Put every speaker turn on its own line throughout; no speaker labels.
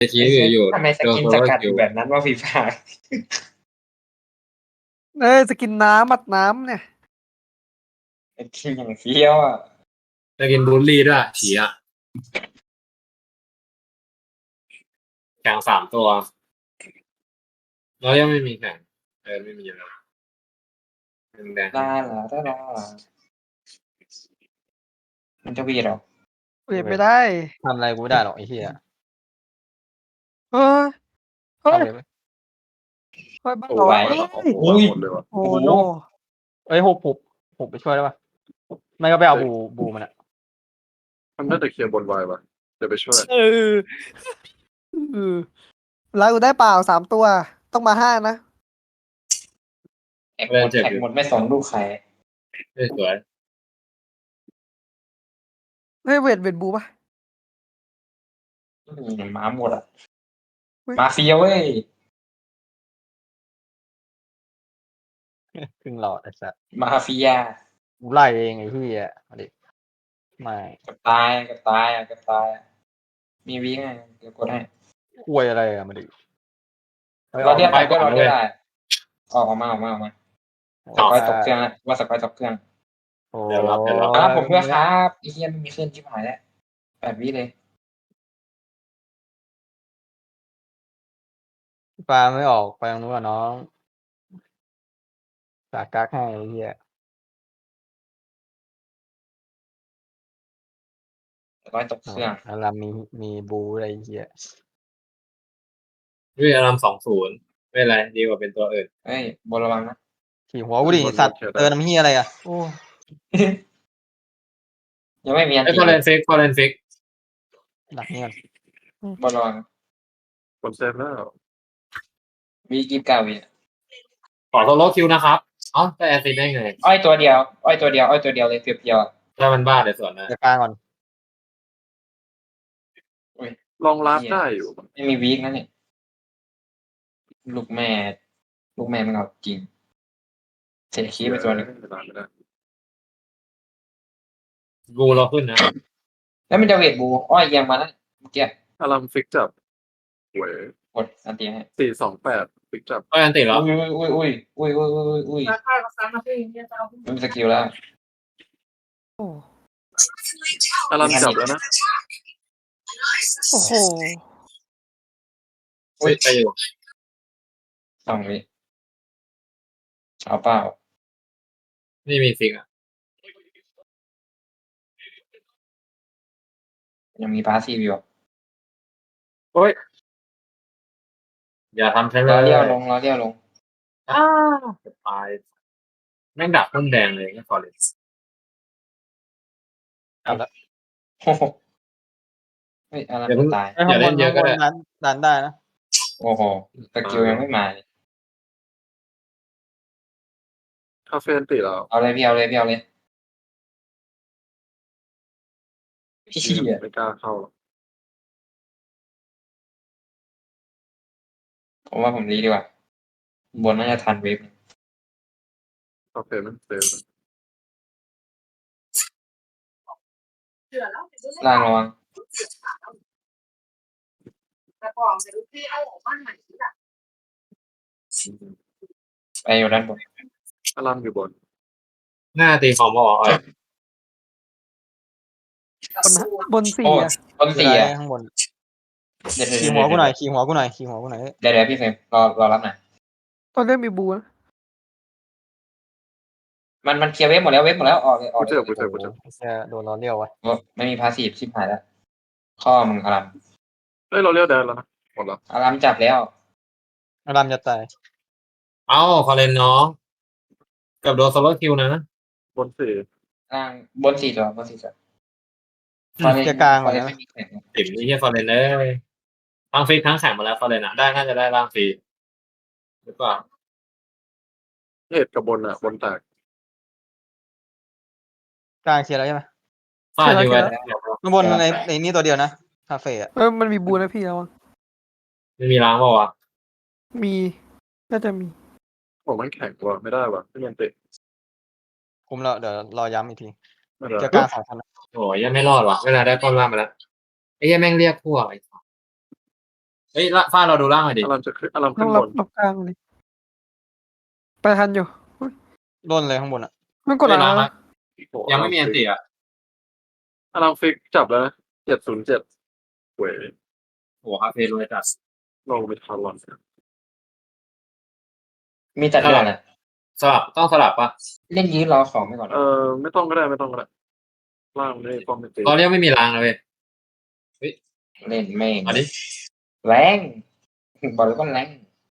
ทีอื่นอยู่
ทำไมส
โดน
กิน
โซ
ส
โล่
กัด
คิ
อ
ว
ยู่แบบนั้นว่าฟีฟ่า
สกินน้ำมัดน้ำเนี่ย
กินอย่างเฟี้ยวอ่ะ
จะกินบูลลี่ด้วยฉีอ่ะแข่ง3 ตัวแล้วยังไม่มีแข่งไม่มีแล้วแดง
ลามันจะวีดหรอ
เปลี่ยนไม่ได้
ทำอะไรกูไม่ได้หรอกไอ้เหี้ย
เฮ้ยเฮ้ย
ทำเลยไหม
เฮ้ยบ้า
โอ้
เหรอ
ไหว
เฮ้ย
อุ้ย
หมดเลยว่ะ
โอ้โน
เอ้ยหุบไปช่วยได้ปะไม่ก็ไปเอาบูมันอะ
มันน่าจะเคลียร์บนไวป่ะเดี๋ยวไปช่วย
เออแล้วกูได้เปล่า3 ตัวต้องมา5นะ
แท็กหมดไม่สนลูกใคร
สวย
เฮ้ยเวทบูป่ะ
มาหมดอ่ะมาเฟียเว้ย
ครึ่งหลอดไอ้สัส
มาเฟีย
กูไล่เองไอ้เหี้ยมาดิไม่
กับตายมีวิ่งไงเดี๋ยวกดให้
ควยอะไรอะมาดิ
เราเรียกก็เราได้ออกมาสกอยตกเครื่องว่าสกอยตกเครื่อง
โอ้
ครับผมด้วยครับไอ้เฮียไม่มีเครื่องชิบหายแล้ว8 วิเลย
ปลาไม่ออกไปตรงนู้นอะน้องสากกักให้ไอ้เหี้ย
สกอยตกเครื่อง
แล้วเรามีบูอะไรไอ้เหี้ย
ด้วยอาราม20ไม่เป็นไรดีกว่าเป็นตัวอื่น
เฮ้ยบนระวังนะ
ขี่หัวกูดิสัตว์เตือนน้ำเหี้ยอะไรอะโอ้
ยังไม่มีอัน
ไอ้
ตี
ฟอเรนฟิก
หนักเนี่ย
บนระวัง
บนเซฟแล้ว
มีกิฟ9 วิ
ขอโซโล่คิวนะครับอ๋อแต่แอซิดได้ไง
อ้อยตัวเดียวเลยเพียวๆ
ถ้ามันบ้าเดี๋ยวสวนนะ
จะกลางก่อน
ลองลัดได้อยู่
ไม่มีวีคนะเนี่ยลูกแม่มันเอาจริงเสียคีย์ไปตัวนึง
ไม่ได้
บูเราขึ้นนะ
แล้วมันจะเวทบูอ้อยเอียงมาแล้วเมื่อกี้
อารามฟิกจับหวย
กดอันตีให้
428ฟิกจับ
ก็อันติแล้ว
อุ้ยมันสกิลแล้ว
โอ้
อารามจับแล้วนะ
โอ้โห
ไปอยู่
2 วิเอาเปล่า
นี่มีฟิกอ่ะ
ยังมีพาสซีฟอยู่
โอ้ยอย่าทำใช้เล
รอเลี้ยวย ลง
จะตายแม่งดักต้นแดงเลยนี่ฟอเรส
เอาละ
โอ้โหเฮ้ยอะไรตาย
อย่าเล่นเยอะก็ได้
ดันได้นะ
โอ้โหสกิลยังไม่มา
คาเฟ่นติแล้ว
เอาเลยพี่เอาเลยพี่
ไม่กล้าเข้าหรอก
ผมว่าผมรีดีกว่าบนน่าจะทันเวฟ
คาเฟ่มันเซฟ
ล่างระวังไปอยู่ด้านบน
อารามอยู่บน
หน้าตีของบอกอ่ะ
บน4
โอ้
อ่ะ
บน4อ่ะ
ข้างบน
เดี๋ยว
ขี่หัวกูหน่อยขี่หัวกูหน่อย
เดี๋ยวพี่เฟรมรอรับหน่อย
ตอนเล่นมีบูนะ
มันเคลียร์เวฟหมดแล้วออกเลย
โอ้โหโดนล้อเลี้ยววะ
ไม่มีพาสซีฟชิบหายแล้วข้อมึงอาราม
เฮ้ยเราเลี้ยวแดนแล้วนะหมดแล้ว
อารามจับแล้ว
อารามจะตาย
เอ้าฟอเรนน้องกับโดนโซโล่คิวนะ
บน4
ล่างบน4 ตัว
จะกลางก่อนนะ
ไม่มีแข่ง
ติ๋มนี่แค่ฟอเรนเลยทั้งฟิกทั้งแข่งมาแล้วฟอเรนอ่ะได้น่าจะได้ร่างฟรีหรือเปล่า
เหตุกับบนอ่ะบนแตก
กลางเคลียร์แล้วใช่ไหม
ฟาดอยู่ไว้
ข้างบนในนี่ตัวเดียวนะคาเฟ่อะ
มันมีบูนะพี่แล้ว
ไม่มีล้างเปล่าวะ
มีน่าจะมี
ผมมันแข็งว่ะไม่ได้ว่ะไม่ยันติ
คุมแล้วเดี๋ยวรอย้ำอีกที
ไม่ได้
จะกลาง2 คนนะ
โอ้ยยังไม่รอดว่ะเวลาได้ป้อมล่างมาแล้วไอ้ยังแม่งเรียกพวกไอ้เฮ้ยฟ้าเราดูล่างหน่อยดิ
อารามจะขึ้นอาราม
ต้
ขึ้
อง
น
รั
บบ น
รับกลางเลยไปทันอยู่
ด้นเลยข้างบนอ่ะ
มันกด
เฮ้ย
อะไร
ล่าง
นะ
ยังไม่มีอันติอ่ะ
อารามฟิกจับแล้วนะ707เว้ย
โหคาเฟ่รวยจัด
ลงไปทารอน
มีจัดเดือนแหละ
สลับต้องสลับปะ
เล่นยื้อรอของไปก่อน
ไม่ต้องก็ได้ไม่ต้องก็ได้ล่างไม่ป้องไม่ตี
เราเรียกไม่มีรางเลย
เล่นแม่ง
อันนี้
แรงบอกเลยว่าแรง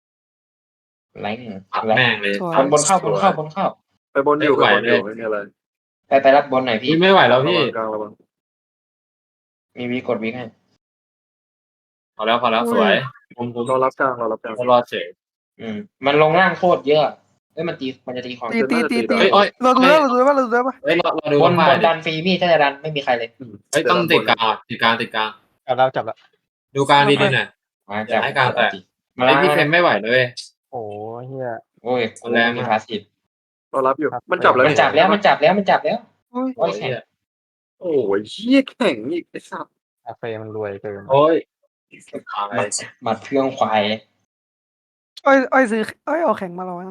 อัด
แรง
แม่งเลย
สวย
บนเข้าบนเข้าบนเข้า
ไปบนอยู่
ไม่
ไป
ไหว
บนอยู่
เลย
ไม่มีอะไร
ไปรับบนหน่อยพี่
พี่ไม่ไหวแล้วพี่
กลางระวัง
มีวีกดวีให้
พอแล้วสวยผม
เรารับกลางเรารับกลาง
รอเฉย
มันลงล่างโคตรเยอะมันจะตีของ
ตี
เฮ้ยโอ้ย
เราดูได้ป่ะเราดูได้ป่ะ
เฮ้ยเราดู
บน
มา
ดันฟรีพี่ถ้าจะดันไม่มีใครเลย
เฮ้ยต้องติดกลางติดกลาง
จับแล้ว
ดูกลางดีๆหน่อย
มา
อย่าให้กลางแตก
มา
ไอพี่เฟรมไม่ไหวเลย
โอ้เฮีย
โอ้ย
แรงมาก
มีพาสซีฟ
เรารับอยู่มันจับแล้ว
มันจับแล้วมันจับแล้ว
โอ้ย
โอ้ยเหี้ย
โอ้ยเหี้ยแข่งอีกไอ้สัตว์
คาเฟ่มันรวยเกิน
โอ้ย
มัดเพื่องควาย
อ้อยซื้ออ้อยเอาแข็งมาเรานะ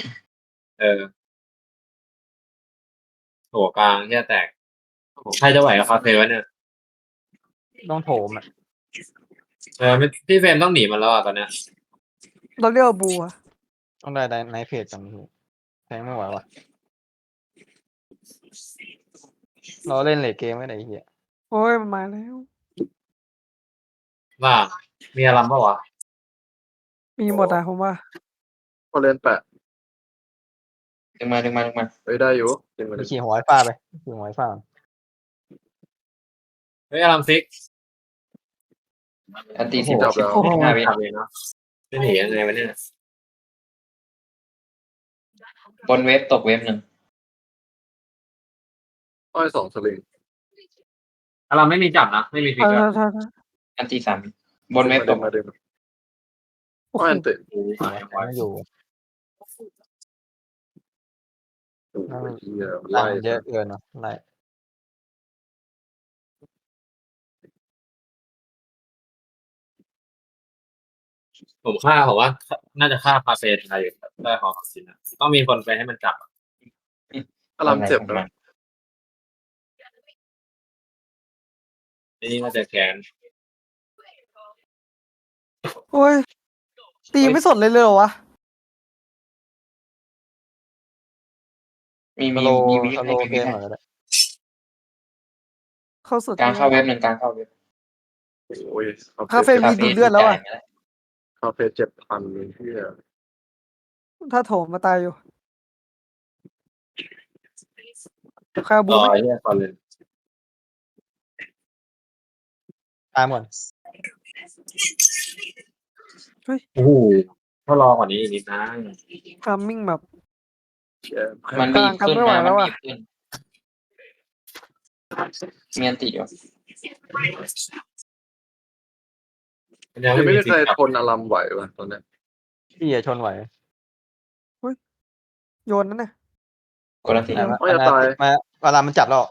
โถกลางเหี้ยแตกใครจะไหวกับคาเฟ่วะเนี่ย
ต้องโถมอ่ะ
พี่เฟรมต้องหนีมันแล้วอ่ะตอนเนี้ย
เราเรียกว่าบัว
ต้องได้ในเพจกันพี่แทงไม่ไหวว่ะเราเล่นเลทเกมไม่ได้เฮีย
โอ้ยมันมาแล้ว
ว่ามีอารมณ์ปะวะ
มีหมดอ่ะผมว่า
พอเล่นแปะ
ดึงมา
เฮ้ยได้อยู่ดึงมา
ไป
ดึง
ขี่หัวไอ้ฟ้าไปขี่หัวไอ้ฟ้า
เฮ้ยอารมณ์ซิก
อันตีสิบ
จับแล้ว
15วิ
ทำเองเนาะจะหนียังไงวะเนี่ย
บนเว็บตกเว็บหนึ่ง
อ้อย2สลิง
อารมณ์ไม่มีจับนะไม่มีฟิก
ถ้า
อะ
อันตี3บนเว็บตก
มาดึง
โอ้โห
อ้อยอันติ
ไม่อยู่
โอ้ยเหี้ย
ไล่
ไล่
เยอะเกินเนาะไล่
ผมว่าน่าจะฆ่าคาเฟ่ไทยได้ของสินนะต้องมีคนไปให้มันจับ
อารามเจ็บนะ
นี่น่าจะแค้น
โอ้ยตีไม่สดเลยเหรอวะ
มี
สโล
มีวิ
สโล
ให้
เกมเหมือนกัน
เข้าสุด
กลางเข้าเว็บหนึ่งกลางเข้าเว็บ
โอ้ย
คาเฟ่มีดูดเลือดแล้วอ่ะ
คาเฟ่7,000เลยที่
ถ้าโถมมาตายอยู่ใครเอาบู
รอ
ไหม
ไอ้เนี่ยก่อนเลย
ตามก่อน
โอ้โหถ้ารอกว่านี้อีกนิดนะ
ทามมิ่งแบบ
มันบีบขึ้น
ไม่ไหว
นะ
แล้
มัน
วอะ
บีบขึ้นมีอันติอยู่
ยัง
ไม่
ไม่
มี
มี
ใคร
ฟิกจับ
ทนอารามไหววะตอนนี้
พี่ชนไหว
โยนนั่นน่ะ
กดอันติ
แต่ว่ามาเวลามันจับแล้ว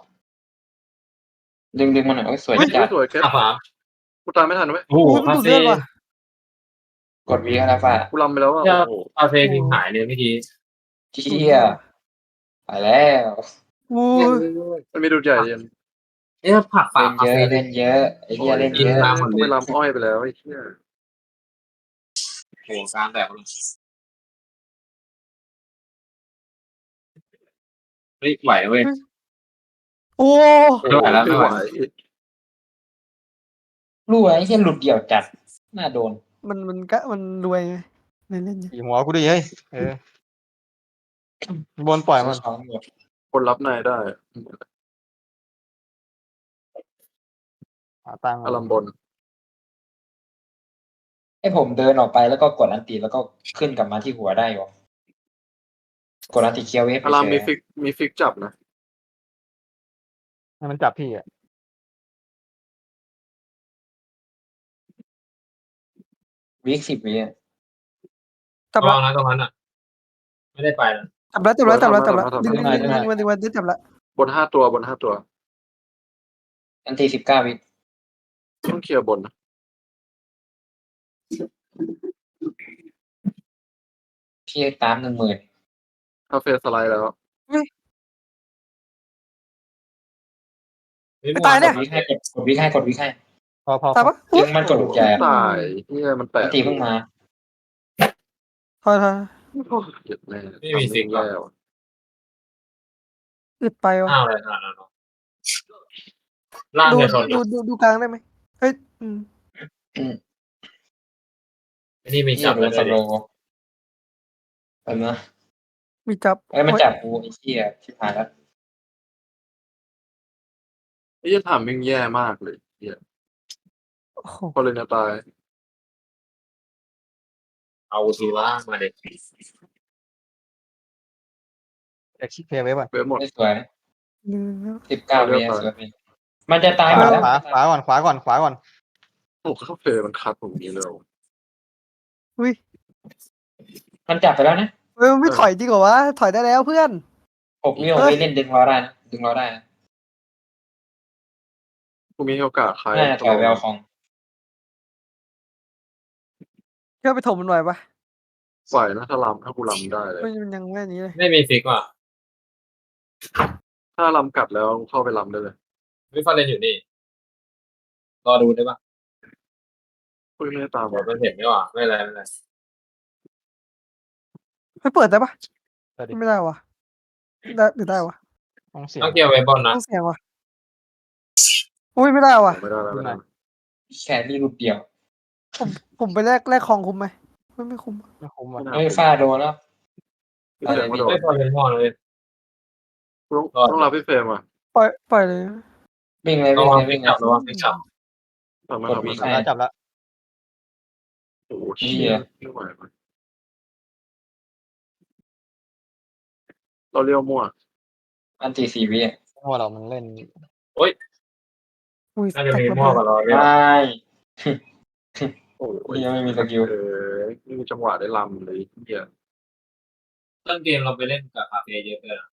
ดึงมันหน่อยโอ้ยสวย
เฮ้ย
จัด
สวยแค่
อ่ะฝา
กูตามไม่ทันไหม
โอ้โห
โอ้ยมัน
คา
ดูด
เฟ่
เลือดว่ะ
กดวีก็แล้วฝ่า
กูลำไปแล้วอ่ะ
เนี่ย
โอ้โห
คาเฟ่ทิ้งหายเลยเมื่อกี้
เชี่ยไปแล้ว
โอ้ย
มันมีดูดใหญ่เย็น
เอ๊ะผักฝา
เล่น
คา
เยอะ
เฟ่
เล่นเยอะไอ้เหี้ยเล่นเยอะ
ตามหมด
กู
เล
ไป
ย
ลำอ้อยไปแล้วไอ้เหี้ย
โอ้โหกลางแตกเลยเฮ้ยไหวเว้ย
โอ้
ไม่ไหวแล้วไม่ไหว
รู้ไอ้เหี้ยหลุดเดี่ยวจัดน่าโดน
มันรวยไงเล่นไง
ขี่หัวกูดิเฮ้ยบนปล่อยมัน
ช้อนหมด
คนรับนายได้
หาตังค์
อารามบน
ให้ผมเดินออกไปแล้วก็กดอันติแล้วก็ขึ้นกลับมาที่หัวได้หรอกดอันติเคียวเวฟ
อาราม
เฉ
มี
ย
ฟิกจับนะ
ให้มันจับพี่อ่ะ
วีค10 วิอะ
จับ
ระ
ละ
วังนะตรงนั้นอ่ะ ไม่ได้ไปนะ
จับละดึงมันได้จับละ
บน5 ตัวบน5 ตัว
อันติ19 วิ
ต้องเคลียร์บนนะ
พี่ตาม10,000
คาเฟ่สไลด์แล้ว
ไม่ตายเนี่ย
กดวิกให้กดวิกให้กดวิกให้
พอ
ตายปะ
จึงมันกดลูกใหญ่อะ
ตายเฮียมันแตะ
มันตีเพิ่งมา
ถอย
โอ้ยเจ็บแน่
ไม่มีสิงหรอ
แล้ว
อึดไปวะ
อ้าวอะไรขนาดนั้นหรอล่าง
ดู
เนี่ยชน
ดูกลางได้ไหมเฮ้ย
ไอ้นี่มี
พี่
จับ
โด
แล้ว
นส
ด้วย
โล
ดิ
ว์ไปนะ
มีจับ
เอ้ยมันจับกูไอ้เหี้ยชิบหายแล้ว
ไอ้เหี้ยถามมึงแย่มากเลยเฮีย
โอ้โห
พอเลยนะตาย
เอาทีว่ามาเด็ก
เอ็กซ์เพย์ไว้ก่อน
เว็บหมด
ไม่สวย 19
เอาเรี
วิ
ยบร้อย
สวยพี่มันจะตายหมดแล้ว
ขวาก่อนขวาก่อน
โอ้คาเฟ่มันคัดผมนี้เลย
อุ้ย
มันจับไปแล้วนะ
เฮ้ยมันไม่ถอยจริงเหรอวะถอยได้แล้วเพื่อน
6 วิ6 วิเล่นดึงเราได้นะดึงเราได้นะ
กูมีโอกาสใคร
น่าจะถอยไปเอาของ
เพื่อไปถมมันหน่อยปะ
ปล่อยนะถ้าลำถ้ากูลำได้เลย
มันยังไม่นี้เลย
ไม่มีฟิกว่ะ
ถ้าลำกัดแล้วเข้าไปลำได้เลย
วิฟาเลนอยู่นี่รอดูได้ปะ
อุ้ยไม่ได้ตาม
เดี๋ยว
ว่ะ
มันเห็นไม่ว่าไม่เป็นไรไม่เป็นไร
ไม่เปิดได้ปะ
เปิดดิ
ไม่ได้วะได้หรือได้วะ
ต้องเสียง
ต้องเกี่ยวไว้บอลนะ
ต้องเสียงวะอุ้ยไม่ได้วะ
ไม่ได้แล้วไม่ได้
แค่นี้รูปเดียว
ผมไปแลกของคุ้มไหมไม่คุ้ม
ไม่คุ้มอ่ะ
เอ้ยฟาโดนแล้ว
พี่เฟรมมาโดน
ไม่พอเป็นพ่อเลย
ต้องรับพี่เฟรมอ่ะ
ปล่อยเลย
วิ่งเลย
ระ
วิ่ง
วัง
เลย
ฟิ
วิ่
ก
งเล
จับ
ย
ระวังฟิกจับ
ทำมา
กด
ทำ
วี
มา
ใคร
จับแล้ว
โอ้โห
เหี้
เชี่ย
ย
ไม่ไหวว่ะเราเรียวมั่ว
อันตี4 วิอ่ะ
เพราะว่าเรามันเล่น
อุ้ย
น่าจะมี
แตก
พ่อ
ระ
กับ
เบิด
เราเนี่ย
ไม่
โอ้ย
ยังไม่มีสกิล
ไม่มีจังหวะได้ลำเลยเฮีย
ต้นเกมเราไปเล่นกับคาเฟ่เยอะเกิน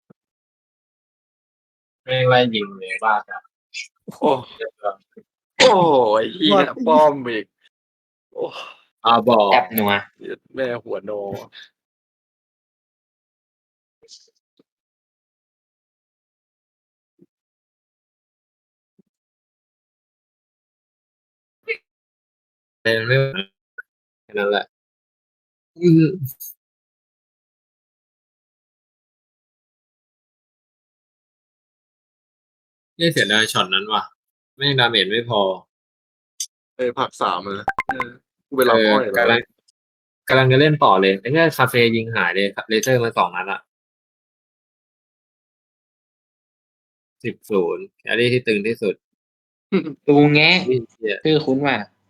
ไม่งไล่ยิงเลยบ้าจัด
โอ้โอ้ยเฮียป้อมอีกโอ้
บอก
แอบหนัว
แม่หัวโน
เล่นไม่แค่นั้นแหละนี่เสียดายช็อตนั้นว่ะไม่งดาเมจไม่พอ
ผัก3เลยกูไปลำอ้อยแล้ว
กำลังจะเล่นต่อเลยไอ้เนี่ยคาเฟ่ยิงหายเลยเลเซอร์มา2 นัดอะ10-0แครี่ที่ตึงที่สุด
ดูแงะ
นี่เหี้ย
ชื่อคุ้นว่า